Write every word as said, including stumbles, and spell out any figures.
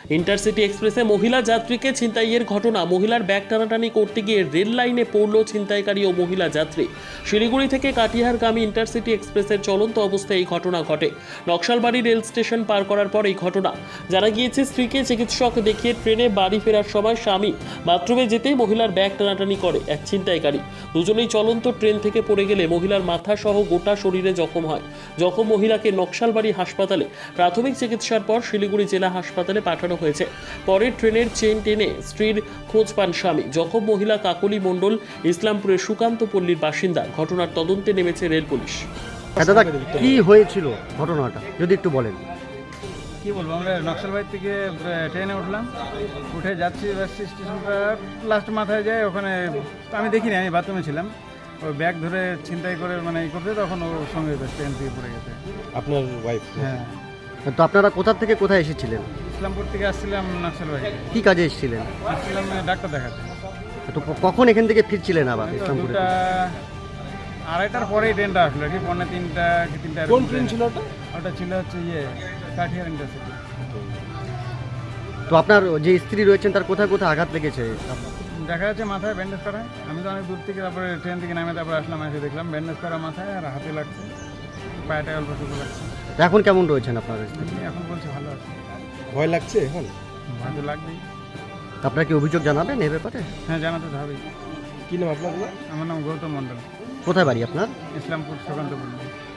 Intercity এক্সপ্রেসে মহিলা যাত্রীকে ছিনতাইয়ের ঘটনা। মহিলার ব্যাগ টানাটানি করতে গিয়ে রেল লাইনে পড়ল ছিনতাইকারী ও মহিলা যাত্রী। শিলিগুড়ি থেকে কাটিহারগামী ইন্টারসিটি এক্সপ্রেসের চলন্ত অবস্থায় এই ঘটনা ঘটে। নকশালবাড়ি রেল স্টেশন পার করার পর এই ঘটনা। জানা গিয়েছে, স্ত্রীকে চিকিৎসক দেখিয়ে ট্রেনে বাড়ি ফেরার সময় স্বামী বাথরুমে যেতেই মহিলার ব্যাগ টানাটানি করে এক ছিনতাইকারী। দুজনেই চলন্ত ট্রেন থেকে পড়ে গেলে মহিলার মাথা সহ গোটা শরীরে জখম হয়। জখম মহিলাকে নকশালবাড়ি হাসপাতালে প্রাথমিক চিকিৎসার পর শিলিগুড়ি জেলা হাসপাতালে পাঠানো হয়েছে। পরে ট্রেনের চেন টেনে স্ত্রীর খোঁজ পান স্বামী। জখম মহিলা কাকলি মণ্ডল ইসলামপুরের সুকান্ত পল্লীর বাসিন্দা। ঘটনার তদন্তে নেমেছে রেল পুলিশ। দাদা, কি হয়েছিল ঘটনাটা যদি একটু বলেন? কি বলবো, আমরা নকশালবাড়ি থেকে ট্রেনে উঠলাম, উঠে যাচ্ছি যাচ্ছি স্টেশনটা লাস্ট মাথায় যায়। ওখানে আমি দেখিনি, আমি বাথরুমে ছিলাম। ওই ব্যাগ ধরে ছিনতাই করে মানে ই করতে, তখন ওর সঙ্গে ট্রেন থেকে পড়ে গেছে। আপনার ওয়াইফ? হ্যাঁ। তো আপনারা কোথা থেকে কোথায় এসেছিলেন? ইসলামপুর থেকে আসছিলাম নকশালবাড়ি। কি কাজে এসেছিলেন? আসছিলাম ডাক্তার দেখাতে। তো কখন এখান থেকে ফিরছিলেন আবার ইসলামপুরে? দুটা আড়াইটার পরেই ট্রেনটা আসলো আর কি, পৌনে তিনটা কি তিনটা। কোন ট্রেন ছিল ওটা? ওটা ছিল হচ্ছে ইয়ে কাঠিয়ার ইন্টারসিটি। তো আপনার যে স্ত্রী রয়েছেন তার কোথায় কোথায় আঘাত লেগেছে? দেখা যাচ্ছে মাথায় ব্যান্ডেজ করা। আমি তো অনেক দূর থেকে তারপরে ট্রেন থেকে নামে তারপরে আসলাম, এসে দেখলাম ব্যান্ডেজ করা মাথায়, আর হাতে লাগছে, পায়েটা অল্প টুকু লাগছে। তো এখন কেমন রয়েছেন আপনার স্ত্রী? এমনি এখন বলছে ভালো আছে। ভয় লাগছে এখন? ভালো লাগবেই। আপনারা কি অভিযোগ জানাবেন এ ব্যাপারে? হ্যাঁ, জানাতে তো হবেই। কি নাম আপনার? আমার নাম গৌতম মণ্ডল, কোথায় বাড়ি আপনার? ইসলামপুর সুকান্ত পল্লী।